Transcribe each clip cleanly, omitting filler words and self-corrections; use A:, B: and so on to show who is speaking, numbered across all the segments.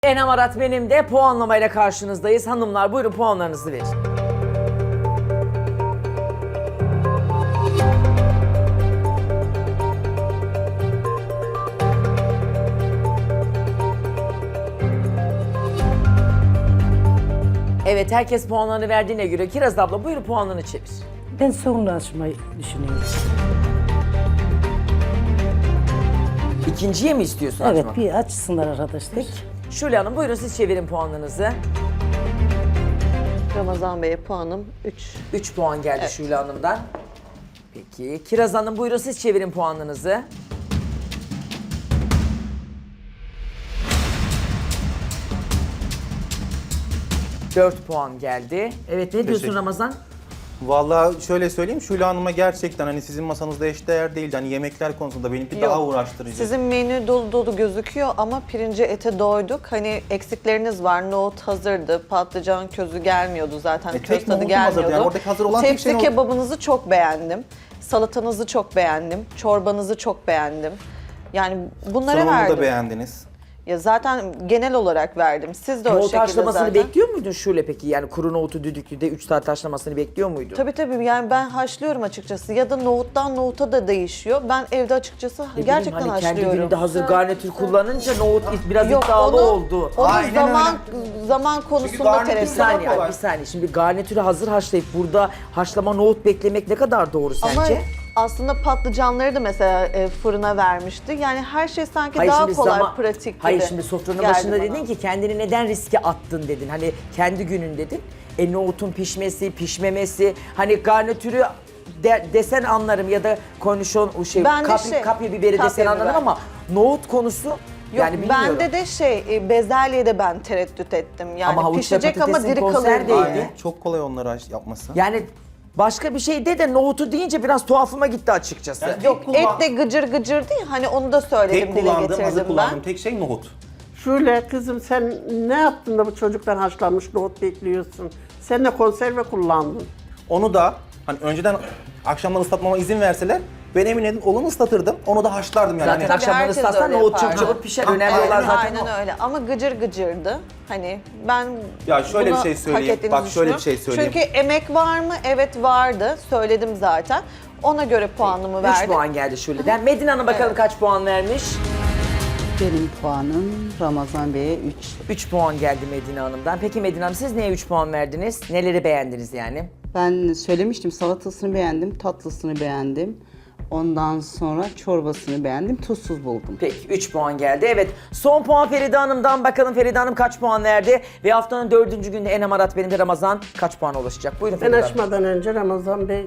A: Enem Arat benim de puanlamayla karşınızdayız. Hanımlar buyurun puanlarınızı verin. Evet, herkes puanlarını verdiğine göre Kiraz abla buyurun puanlarını çevir.
B: Ben sonunu açmayı düşünüyorum.
A: İkinciye mi istiyorsun
B: Evet,
A: açmak?
B: bir açsınlar arkadaşlar.
A: Şule Hanım buyurun siz çevirin puanlarınızı.
C: Ramazan Bey'e puanım 3.
A: 3 puan geldi
C: Evet.
A: Şule Hanım'dan. Peki Kiraz Hanım buyurun siz çevirin puanlarınızı. Dört puan geldi. Evet ne diyorsun
D: Teşekkür-
A: Ramazan?
D: Vallahi şöyle söyleyeyim, Şule Hanım'a gerçekten hani sizin masanızda eşdeğer değildi. Hani yemekler konusunda benimki daha uğraştırıcı.
C: Sizin menü dolu dolu gözüküyor ama pirince ete doyduk. Hani eksikleriniz var. Nohut hazırdı. Patlıcan közü gelmiyordu zaten.
D: tek
C: Köz tadı
D: nohutum hazırdı.
C: gelmiyordu.
D: Yani oradaki hazır olan tek
C: Tepsi
D: şey nohut.
C: kebabınızı çok beğendim. Salatanızı çok beğendim. Çorbanızı çok beğendim. Yani bunlara
D: Sunumu
C: verdim.
D: da beğendiniz.
C: Ya zaten genel olarak verdim. Siz de o
A: Nohut
C: şekilde
A: haşlamasını
C: zaten.
A: bekliyor muydun Şule peki? Yani kuru nohutu düdüklüde 3 saat haşlamasını bekliyor muydun?
C: Tabii yani ben haşlıyorum açıkçası ya da nohuttan nohuta da değişiyor. Ben evde açıkçası
A: Ne bileyim,
C: gerçekten
A: hani kendi
C: haşlıyorum.
A: gününde hazır garnitür kullanınca nohut biraz
C: Yok,
A: iddialı
C: onu-
A: oldu.
C: Onun
D: Aynen
C: zaman konusunda
D: garnitür
A: Bir
C: tereddüt
A: saniye,
D: kolay.
A: bir saniye. Şimdi garnitürü hazır haşlayıp burada haşlama nohut beklemek ne kadar doğru
C: Ama
A: sence?
C: aslında patlıcanları da mesela fırına vermişti. Yani her şey sanki daha kolay, pratik gibi.
A: Hayır şimdi sofranın
C: geldi
A: başında
C: bana.
A: dedin ki kendini neden riske attın dedin. Hani kendi günün dedin. Nohutun pişmesi, pişmemesi, hani garnitürü desen anlarım ya da konuşon o şey
C: Ben de
A: kapya biberi
C: kapya
A: desen anlarım
C: biber.
A: ama nohut konusu
C: Yok,
A: yani bilmiyorum.
C: bende de bezelyede ben tereddüt ettim. Yani
A: Ama havuçla
C: pişecek ama
A: patatesin
C: diri kalır
A: konserve
C: diye.
A: değil.
D: Aynen. Çok kolay onları yapması.
A: Yani başka bir şey de nohutu deyince biraz tuhafıma gitti açıkçası.
D: Yani
C: Yok, et de gıcır gıcır değil. Hani onu da söyledim,
D: tek
C: dile
D: kullandığım,
C: getirdim
D: hazır
C: ben.
D: kullandığım tek şey nohut.
E: Şule kızım sen ne yaptın da bu çocuktan haşlanmış nohut bekliyorsun? Sen de konserve kullandın.
D: Onu da hani önceden akşamdan ıslatmama izin verseler ben emin edin onu ıslatırdım. Onu da haşlardım yani.
A: Zaten
D: Hani-
A: akşamları
C: herkes
A: ıslatsan
C: öyle
A: nohut çok
C: yapar.
A: çabuk pişer.
D: Ha,
A: Önemli
D: aynen,
A: olan zaten
C: Aynen
A: o.
C: öyle ama gıcır gıcırdı. Hani ben
D: Ya şöyle bir
C: bunu
D: şey söyleyeyim.
C: hak ettiğinizi
D: Bak şöyle bir
C: düşünüyorum.
D: şey söyleyeyim.
C: Çünkü emek var mı? Evet vardı. Söyledim zaten. Ona göre puanımı
A: 3
C: verdim.
A: puan geldi Şule'den. Medine Hanım bakalım
C: Evet.
A: kaç puan vermiş?
F: Benim puanım Ramazan Bey'e 3.
A: 3 puan geldi Medine Hanım'dan. Peki Medine Hanım siz neye 3 puan verdiniz? Neleri beğendiniz yani?
F: Ben söylemiştim, salatasını beğendim, tatlısını beğendim. Ondan sonra çorbasını beğendim, tuzsuz buldum.
A: Peki 3 puan geldi. Evet son puan Feride Hanım'dan. Bakalım Feride Hanım kaç puan verdi? Ve haftanın 4. günde Enem Arat benim de Ramazan kaç puana ulaşacak? Buyurun
E: Ben
A: Feride Hanım.
E: açmadan önce Ramazan Bey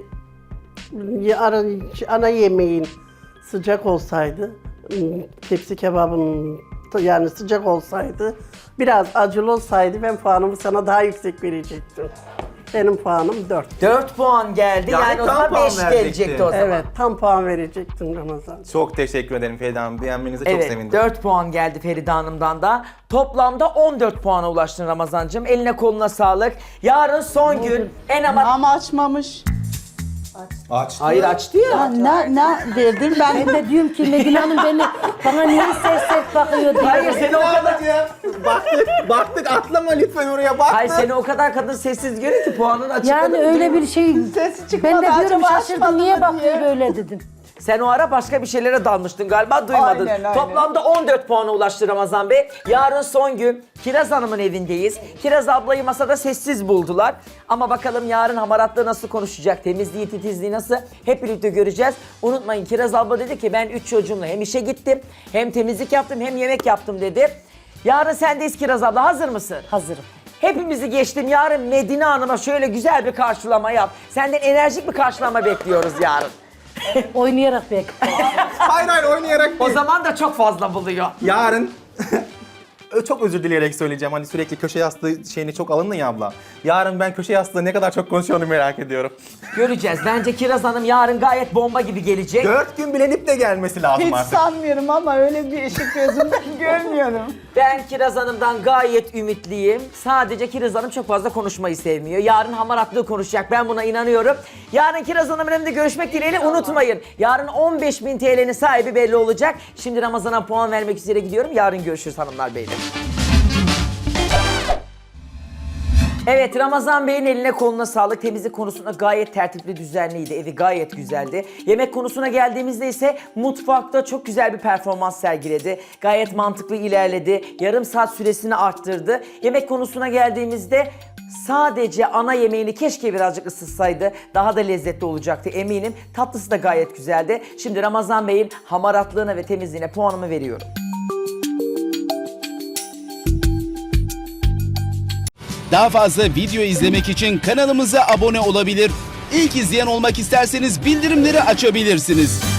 E: ana yemeğin sıcak olsaydı, tepsi kebabın yani sıcak olsaydı, biraz acılı olsaydı ben puanımı sana daha yüksek verecektim. Benim puanım 4.
A: 4 puan geldi.
D: Yani
A: Yani o
D: tam
A: zaman
D: puan
A: 5
D: verecekti.
A: gelecekti o zaman.
E: Evet, tam puan verecektim Ramazan.
D: Çok teşekkür ederim Feride Hanım. Beğenmenize çok
A: Evet,
D: sevindim.
A: 4 puan geldi Feride Hanım'dan da. Toplamda 14 puana ulaştın Ramazancığım. Eline koluna sağlık. Yarın son gün Enem Arat...
F: Ama açmamış.
D: Açtı.
A: Hayır açtı ya.
F: Ha, ne verdim ben?
B: Ben de diyorum ki Medine Hanım bana niye ses bakıyor diye.
A: Hayır seni o kadar...
D: Baktık atlama lütfen oraya bak.
A: Hayır seni o kadar kadın sessiz görüyor ki puanını açıkladı.
B: Yani öyle bir şey.
F: Sesi çıkmadı,
B: Ben de diyorum
F: acaba
B: şaşırdım
F: açmadı
B: niye
F: mı
B: bakıyor
F: diye.
B: böyle dedim.
A: Sen o ara başka bir şeylere dalmıştın galiba duymadın.
F: Aynen.
A: Toplamda 14 puana ulaştı Ramazan Bey. Yarın son gün Kiraz Hanım'ın evindeyiz. Kiraz ablayı masada sessiz buldular. Ama bakalım yarın hamaratlığı nasıl konuşacak, temizliği, titizliği nasıl hep birlikte göreceğiz. Unutmayın Kiraz abla dedi ki ben 3 çocuğumla hem işe gittim, hem temizlik yaptım, hem yemek yaptım dedi. Yarın sendeyiz Kiraz abla, hazır mısın?
B: Hazırım.
A: Hepimizi geçtim. Yarın Medine Hanım'a şöyle güzel bir karşılama yap. Senden enerjik bir karşılama bekliyoruz yarın.
B: Oynayarak bek.
D: Hayır oynayarak
A: O
D: değil.
A: zaman da çok fazla buluyor.
D: Yarın çok özür dileyerek söyleyeceğim. Hani sürekli köşe yastığı şeyini çok alındın ya abla. Yarın ben köşe yastığı ne kadar çok konuşuyorum merak ediyorum.
A: Göreceğiz. Bence Kiraz Hanım yarın gayet bomba gibi gelecek.
D: 4 gün bilenip de gelmesi lazım
F: Hiç
D: artık.
F: sanmıyorum ama öyle bir ışık gözümden görmüyorum.
A: Ben Kiraz Hanım'dan gayet ümitliyim. Sadece Kiraz Hanım çok fazla konuşmayı sevmiyor. Yarın hamaratlığı konuşacak. Ben buna inanıyorum. Yarın Kiraz Hanım'ın evinde görüşmek dileğiyle unutmayın. Yarın 15.000 TL'nin sahibi belli olacak. Şimdi Ramazan'a puan vermek üzere gidiyorum. Yarın görüşürüz hanımlar beyler. Evet, Ramazan Bey'in eline koluna sağlık. Temizlik konusunda gayet tertipli, düzenliydi. Evi gayet güzeldi. Yemek konusuna geldiğimizde ise mutfakta çok güzel bir performans sergiledi. Gayet mantıklı ilerledi. Yarım saat süresini arttırdı. Yemek konusuna geldiğimizde sadece ana yemeğini keşke birazcık ısıtsaydı. Daha da lezzetli olacaktı eminim. Tatlısı da gayet güzeldi. Şimdi Ramazan Bey'in hamaratlığına ve temizliğine puanımı veriyorum.
G: Daha fazla video izlemek için kanalımıza abone olabilir. İlk izleyen olmak isterseniz bildirimleri açabilirsiniz.